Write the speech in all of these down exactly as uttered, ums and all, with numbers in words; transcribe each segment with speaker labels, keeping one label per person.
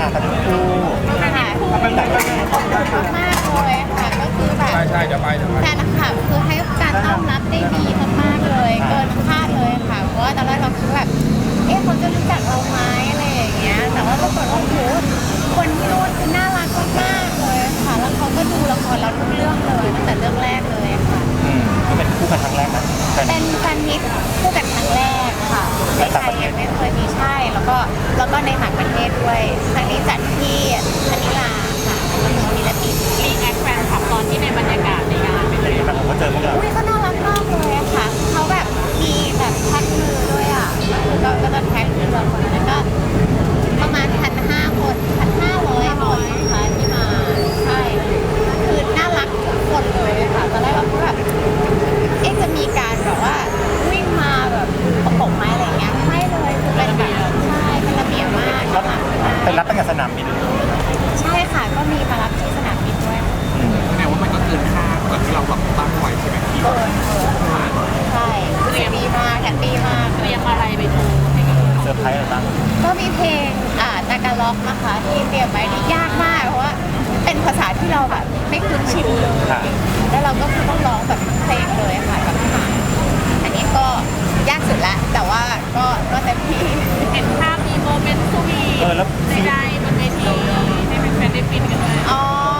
Speaker 1: ค่ะทั้งคู่
Speaker 2: ค่ะเป็นแบบมากเลยค่ะก็คือแบบ
Speaker 3: ใช่ใช่เดี๋ยวไปเดี๋ยวไป
Speaker 2: แฟนคลับคือให้การต้อนรับได้ดีมากๆเลยเกินคาดเลยค่ะเพราะว่าตอนแรกเราคิดแบบเอ๊ะเขาจะรู้จักเราไหมอะไรอย่างเงี้ยแต่ว่าปรากฏว่าโอ้โหคนที่นู่นคือน่ารักมากๆเลยค่ะแล้วเขาก็ดูละครเราทุกเรื่องเลยตั้งแต่เรื่องแรกเลยค่ะ
Speaker 1: อืมก็เป็นคู่กันครั้งแรกนะ
Speaker 2: เป็นแฟนมิตรคู่กันครั้งแรกค่ะในไทยยังไม่เคยมีใช่แล้วก็แล้วก็ในต่างประเทศด้วยครั้งนี้จัดที่มะนิลาค่ะเมืองฟิลิปปินส์
Speaker 4: รีแอคแฟนคลับตอนที่ในบรรยากาศในงานเป็นยังไงบ้าง
Speaker 1: ผมก็เจอพวกเรา
Speaker 2: อุ้ยเขาน่ารักมากเลยอะค่ะเขาแบบมีแบบแท็กมือด้วยอ่ะก็ก็จะแท็กมือเราคนนั้นก็ประมาณพันห้าคนพันห้าร้อยคนนะคะที่มาใช่คือน่ารักทุกคนเลยค่ะตอนแรกเราก็แบบเอ๊ะจะมีการแบบว่าวิ่งมาแบบประกบไม้อะไรอย่างเงี้ยไม่เลยคือเป็นแบบใช่เป็นระเบียบมากนะคะ
Speaker 1: เป็นรับตั้งแต่สนามบิน
Speaker 2: ใช่ค่ะก็มีมารับที่สนามบินด้วย
Speaker 3: แม้ว่ามันก็เกินคาดกว่าที่เราแบบตั้งไว้ใช่ไหมพี่
Speaker 2: เกินเกินใช่แฮปปี้มากแฮปปี้มาก
Speaker 4: เตรียมอะไรไปโชว์ให้กับ
Speaker 1: เซอร์ไพรส์อะไรบ้าง
Speaker 2: ก็มีเพลงอ่าตากาล็อกนะคะที่เตรียมไว้ที่ยากมากเพราะว่าเป็นภาษาที่เราแบบไม่คุ้นชินเลยแล้วเราก็คือต้องร้องแบบเพลงเลยค่ะกับทหารอันนี้ก็ยากสุดละแต่ว่าก็ก็เต็มที่
Speaker 4: เห็นภาพมีโมเมนต์สวีท
Speaker 1: เออแล้ว
Speaker 4: ใดๆบนเวทีให้เป็นแฟนได้ฟินกันเลย
Speaker 2: อ๋อ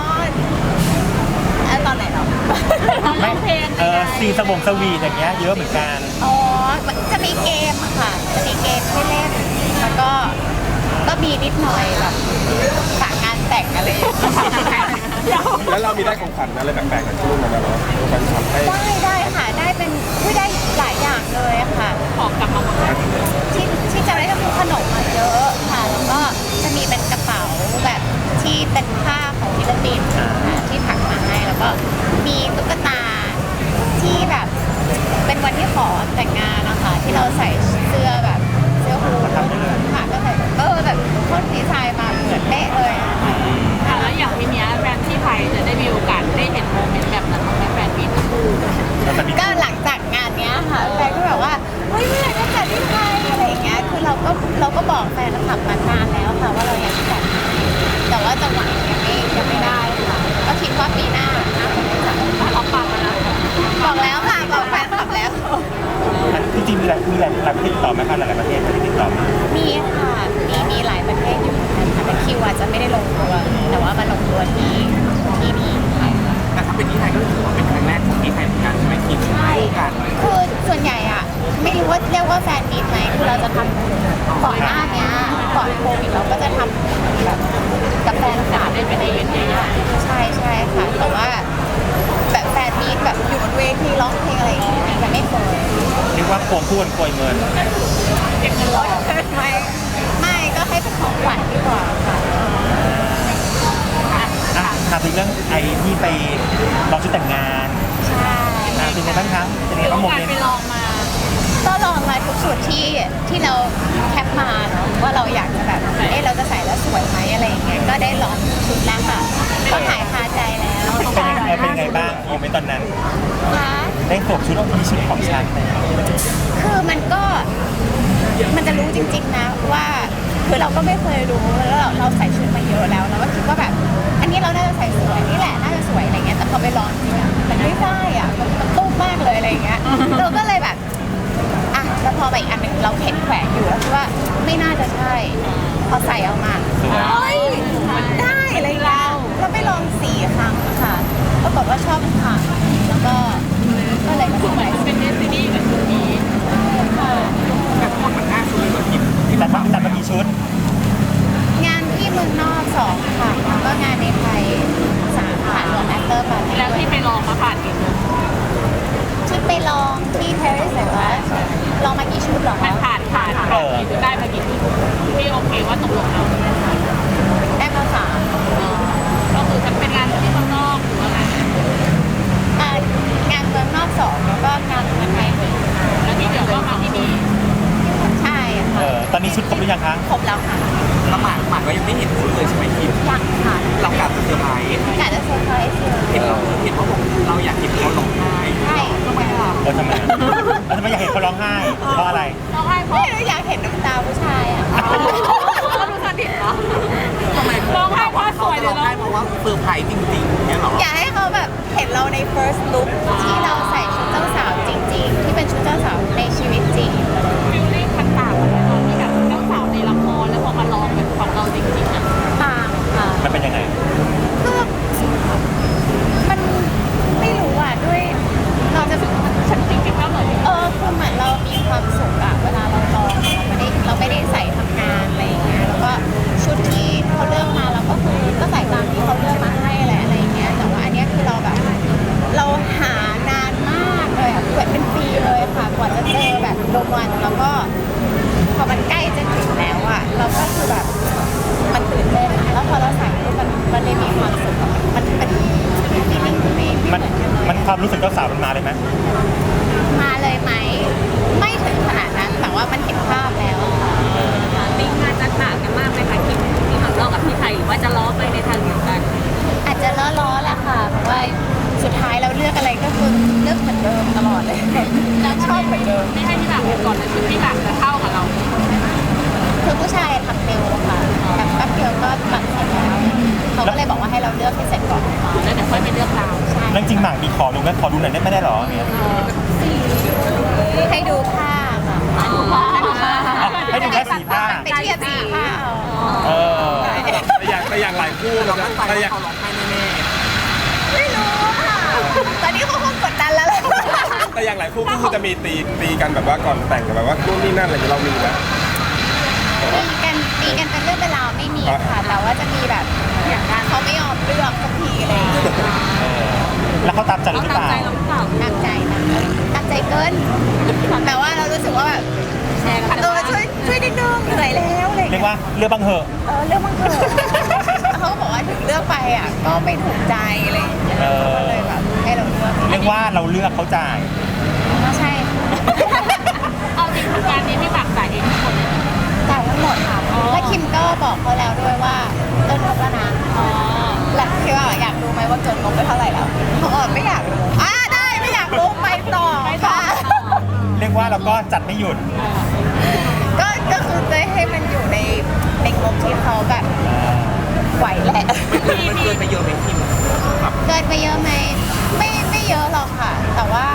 Speaker 2: แล้วตอนไหนเรา
Speaker 1: ไม่เออซีสบงสวีทอย่างเงี้ยเยอะเหมือนกัน
Speaker 2: อ๋อจะมีเกมอะค่ะจะมีเกมให้เล่นแล้วก็ก็มีนิดหน่อยแบบฝากงานแต่งอะไรอย่างเงี้ย
Speaker 3: แล้วเรามีได้ของขวัญอะไรแปลกๆจากที่นู่นมาแล้วเนาะแฟนคลับให้
Speaker 2: ได้ได้ค่ะได้เป็นอุ้ยได้หลายอย่างเลยอะค่ะ
Speaker 4: ของกลับมาหมดเลย
Speaker 2: ที่ที่จะได้ก็คือขนมมาเยอะค่ะแล้วก็จะมีเป็นกระเป๋าแบบที่เป็นผ้าของฟิลิปปินส์ค่ะที่ถักมาให้แล้วก็มีตุ๊กตาที่แบบเป็นวันที่ขอแต่งงานนะคะที่เราใส่เสื้อแบบเสื้อฮูดค่ะก็ใส่เออแบบโคตรดีไซน์มาเหมือนเป๊ะเลยอะค่ะ
Speaker 4: ค่ะแล้วอย่างทีเนี้ยแฟนที่ไทยจะได้มีโอกาสได้เห็นโมเมนต์แบบนั้นของแฟนๆปีทั้งคู่
Speaker 2: ก็หลังจากงานเนี้ยค่ะแฟนก็แบบว่าเฮ้ยเมื่อไหร่จะจัดที่ไทยอะไรอย่างเงี้ยคือเราก็เราก็บอกแฟนคลับมานานแล้วค่ะว่าเราอยากจัดแต่ว่าจังหวะยังไม่ยังไม่ได้ค่ะก็คิดว่าปีหน้าน่าจะได้จัด
Speaker 4: เราปากมาแล้ว
Speaker 2: บอกแล้วค่ะบอกแฟนคลับแล้ว
Speaker 1: จริงๆมีหลายมีหลายหลายประเทศติดต่อไหมคะหลายๆประเทศที่ติดต่อมา
Speaker 2: มีค่ะมีมีหลายประเทศอยู่เหมือนกันค่ะแต่คิวอาจจะไม่ได้ลงตัวแต่ว่ามาลงตัวที่ที่นี่ค่ะ
Speaker 3: แต่ถ้าเป็นที่ไทยก็ถือว่าเป็นครั้งแรกของที่ไทยเหมือนกันใช่ไหมคิด
Speaker 2: ใช่
Speaker 3: คู่กัน
Speaker 2: คือส่วนใหญ่อะไม่รู้ว่าเรียกว่าแฟนมีตไหมคือเราจะทำก่อนหน้าเนี้ยก่อนโควิดเราก็จะทำแบบกับแฟนคลับได้เป็นอีเวนต์ใหญ่ๆใช่ใช่ค่ะแต่ว่าแบบแฟนมีตแบบอยู่บนเวทีร้องเพลงอะไรอย่างเงี้ยมันไม่เคย
Speaker 1: เรียกว่าควงคู่กันโกยเงิน
Speaker 2: เก็บเงินร้อยไม่ไม่ก็ให้เป็นของขวัญดีกว่าค่ะ
Speaker 1: อ่ะถามถึงเรื่องไอ้ที่ไปลองชุดแต่งงาน
Speaker 2: ใช่
Speaker 1: อ่ะเป็นไงบ้างคะเป็นไง
Speaker 4: มีโอ
Speaker 1: บ้างโม
Speaker 4: กาส
Speaker 1: เมน
Speaker 4: ไป
Speaker 1: ต์
Speaker 4: ลองมา
Speaker 2: ก็ลองมาทุกสูตรที่ที่เราแคปมาเนาะว่าเราอยากจะแบบเอ๊ะเราจะใส่แล้วสวยไหมอะไรอย่างเงี้ยก็ได้ลองชุดแล้วค่ะก็หายคาใจแล้ว
Speaker 1: เป็นยังไงเป็นยังไงบ้างโมเมนต์ตอนนั้น
Speaker 2: ค่ะ
Speaker 1: ได้สวมชุดที่ชุดของฉันเลย
Speaker 2: คือมันก็มันจะรู้จริงๆนะว่าคือเราก็ไม่เคยรู้แล้วเราเราใส่ชุดมาเยอะแล้วเราก็คิดว่าแบบ อันนี้เราน่าจะใส่สวยนี่แหละน่าจะสวยอะไรเงี้ยแต่พอไปลองจริงอะมันไม่ได้อะมันมันตุ้มมากเลยอะไรอย่างเงี้ยเราก็เลยแบบอ่ะแล้วพอไปอีกอันหนึ่งเราเห็นแขวนอยู่แล้วคิดว่าไม่น่าจะใช่พอใส่เอามาเฮ้ยได้อะไรเงี้ยเราไปลองสี่ครั้งค่ะปรากฏว่าชอบทุกครั้งแล้วก็ก็เลยมา
Speaker 4: เห
Speaker 2: ส
Speaker 4: มื
Speaker 2: ว
Speaker 4: อน
Speaker 2: ย
Speaker 4: เป็นเดซินี่กับชุดนี้
Speaker 2: ค่ะ
Speaker 3: แต่ทั้งหมดมันห้าชุดเลยเหรอคิด
Speaker 1: แต่มาแต่มากี่ชุด
Speaker 2: งานที่เมืองนอกสองค่ะแล้วก็งานในไทยสามค่ะรวมแอคเตอร์ปาร์ตี้
Speaker 4: แล้วที่ไปลองมาผ่านกี่ชุด
Speaker 2: ที่ไปลองที่ปารีสแต่ว่าลองมากี่ชุดเหรอ
Speaker 4: มั
Speaker 2: คะ
Speaker 4: นผ่านผ่านผ่านกี่ชุดได้มากี่ชุดที่โอเคว่าตกลงเรา
Speaker 2: ได้มาสาม
Speaker 4: ก็คือจะเป็นงานที่ข้างนอกหรือว่าไง
Speaker 2: อ่างานเมืองนอกสองแล้วก็งานเมืองไทยหนึ่ง
Speaker 4: แล้วที่เหลือก็มาที่นี่
Speaker 2: ใช่
Speaker 1: เอ
Speaker 2: ค่ะ
Speaker 1: อตอนนี้ชุดครบหรือยังคะ
Speaker 2: ครบแล้วค่ะ
Speaker 3: ละหมาดหมาดก็ยังไม่เห็นชุดเลยใช่ไหมคิด
Speaker 2: ยังค่ะ
Speaker 3: เรากลับเซอร์ไพรส์
Speaker 2: กะจะเซอร์ไพรส์เลย
Speaker 3: เห็นเราเห็นว่าเราอยากเห็นเขาร้องไห้
Speaker 2: ใช่
Speaker 3: ทำไมล่ะ
Speaker 1: เออทำไมแล้วทำไมอยากเห็นเขาร้องไห้เพราะอะไร
Speaker 4: เราให้เพราะ
Speaker 2: ไม่รู้อยากเห็นน้ำตาผู้ชายอ่ะ
Speaker 4: เราดูสนิทเนาะ
Speaker 2: ใ
Speaker 3: คือเรามั่นใจว่าเขาร้องไห้แน่
Speaker 2: ไม่รู้ค่ะตอนนี้เขาคงกดดันแล้วแหละ
Speaker 5: แต่อย่างหลายคู่ก็คือจะมีตีตีกันแบบว่าก่อนแต่งแบบว่านู่นนี่นั่นอะไรอย่างเงี้ยเรามีนะ
Speaker 2: ตีกันตีกันเป็นเรื่องเป็นราวไม่มีค่ะ แต่ว่าจะมีแบบอย่างการเขาไม่ยอมเลือกสักทีอะไรอย่างเงี้ย
Speaker 1: แล้วเขาตามใจ
Speaker 4: เขา
Speaker 1: หรือ
Speaker 4: ตาม
Speaker 1: เปล่า
Speaker 4: ใจเราหรือเปล่า
Speaker 2: ตามใจนะตามใจเกิน แต่ว่าเรารู้สึกว่าแบบ
Speaker 4: แชร์กัน
Speaker 2: เออช่วยช่วยนิดนึงเหนื่อยแล้วอะไรอย่าง
Speaker 1: เรีย
Speaker 2: เงี้
Speaker 1: ก
Speaker 2: ย
Speaker 1: ว่าเลือกบังเหอะ
Speaker 2: เออเรื่องมันเกิดเขาก็บอกว่าถึงเลือกไปอ่ะก็ไม่ถูกใจอะไรอย่างเงี้ย
Speaker 1: เออ
Speaker 2: ก็เลยแบบให้เราเลือก
Speaker 1: เรียกว่าเราเลือกเขาจ่าย
Speaker 2: ก็ใช่
Speaker 4: เอาจริงทางการนี้พี่หมากจ่ายเองทั้งหมดเลย
Speaker 2: จ่ายทั้งหมดค่ะและคิมก็บอกเขาแล้วด้วยว่าเกินงบแล้วนะ
Speaker 4: อ๋อ
Speaker 2: และคิดว่าอยากรู้ไหมว่าเกินงบไปเท่าไหร่แล้วเขาบอกไม่อยากรู้อ่าได้ไม่อยากรู้ไปต่อค่ะ
Speaker 1: เรียกว่าเราก็จัดไม่หยุด
Speaker 2: ก็ก็คือจะให้มันอยู่ในในงบที่เขาแบบไหวแหละ
Speaker 3: ๆมันเกินไปเยอะไหมคิมแบบ
Speaker 2: เกินไปเยอะไหมไม่ไม่เยอะหรอกค่ะ แต่ว่า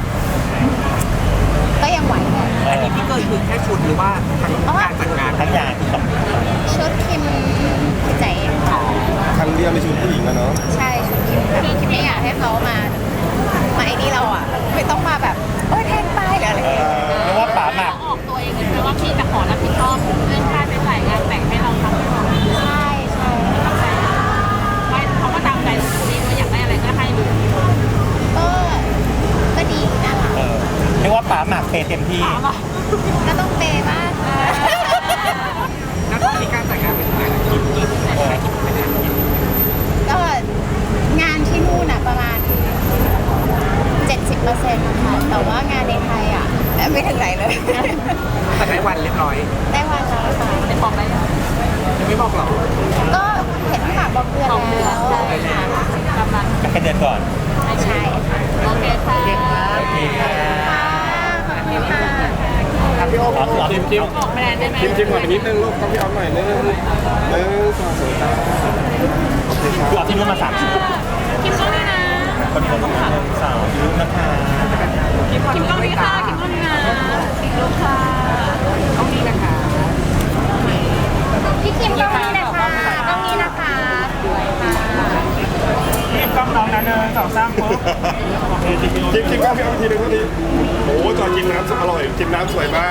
Speaker 2: ก็ยังไหวแหละ
Speaker 3: อันนี้พี่เกินคือแค่ชุดหรือว่าทั้งการจัดงาน
Speaker 1: ทั้งอย่างที่ต้อง
Speaker 2: ชุดคิมใจค่ะ
Speaker 5: ครั้งเดียวในชีวิตผู้หญิงอะเนาะ
Speaker 2: ใช่ชุดคิมแบบคิมไม่อยากให้เขามามาไอ้นี่เราอ่ะ ไม่ต้องมาแบบโอ้ยแทนไปหรืออะไรอย่างเงี้ย
Speaker 1: เรียกว่าป๋าหมั
Speaker 4: เรา
Speaker 1: ก
Speaker 4: ออกตัวเองเลยไหมว่าพี่จะขอรับผิดชอบเรื่องค่าใช้จ่ายงานแต่งให้เราทั้งหมด
Speaker 2: ใช่ใช่
Speaker 4: ไม่เขาก็ตามใจเราดีว่าอยากได้อะไรก็ให้ดู
Speaker 2: ก็ก็ดีน่ารัก
Speaker 1: เออเรียกว่าป๋าหมักเปย์เต็มที่
Speaker 2: ก็ต้องเปย์บ้างค่ะ
Speaker 3: แล้วตอนนี้การจัดงานเป็นยังไงล่ะคิมกี่ที่ไหนใช้กี่ไม่ได้คิม
Speaker 2: ก็งานที่นู่นอ่ะประมาณ เจ็ดสิบเปอร์เซ็นต์นะคะแต่ว่างานในไทยอ่ะไม่ถึงไหนเลย
Speaker 3: แต่ได้วันเรียบร้อย
Speaker 2: ได้วันแล้วค่ะ
Speaker 4: ได้บอกได้แล้ว
Speaker 3: ยังไม่บอกหรอ
Speaker 2: ก็เห็นพี่หมากบอกเดือน
Speaker 4: สองเดือน
Speaker 2: แล้ว
Speaker 4: ใช่ค่ะกำลัง
Speaker 1: ก็แค่เดือนก่อน
Speaker 4: ไม่ใช่โอเคค่ะ
Speaker 1: โอเคค่ะ
Speaker 2: ขอบคุณค่ะ
Speaker 5: ครับพี่โอ๊ค
Speaker 1: อ๋อคือเอา
Speaker 5: คิมคิม
Speaker 4: บอกแบรนด์ได้ไหม
Speaker 5: คิมคิมก่อนไปนิดนึงลูกต้องพี่ออฟหน่อยนึงนึงสองสามตาโอเคค
Speaker 1: คือ
Speaker 5: รับ
Speaker 1: เอาที่นู่นมาสามชุด
Speaker 4: คิมกล้องนี่นะ
Speaker 1: คนคนหนึ่งสาวรูปนะคะ
Speaker 4: คิมกล้องนี่ค่ะคิมกล้องนี่นะคิมลูกค่ะ
Speaker 3: ต้องนี้นะคะ
Speaker 2: พี่คิมกล้องนี้นะคะกล้องนี้นะคะสวยค่ะ
Speaker 1: รีบกล้องน้องนะเนินสองสามปุ๊บโอเคจริง
Speaker 5: คิมคิมก็พี่ออฟทีนึงก็ดีโอ้จอยกินน้ำอร่อยกินน้ำสวยมาก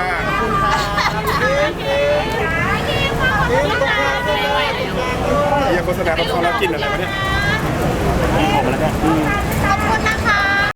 Speaker 4: ไม่ไหวแล้ว
Speaker 5: เฮียโฆษณาต้องเข้าแล้วกินอะไรวะเนี่ย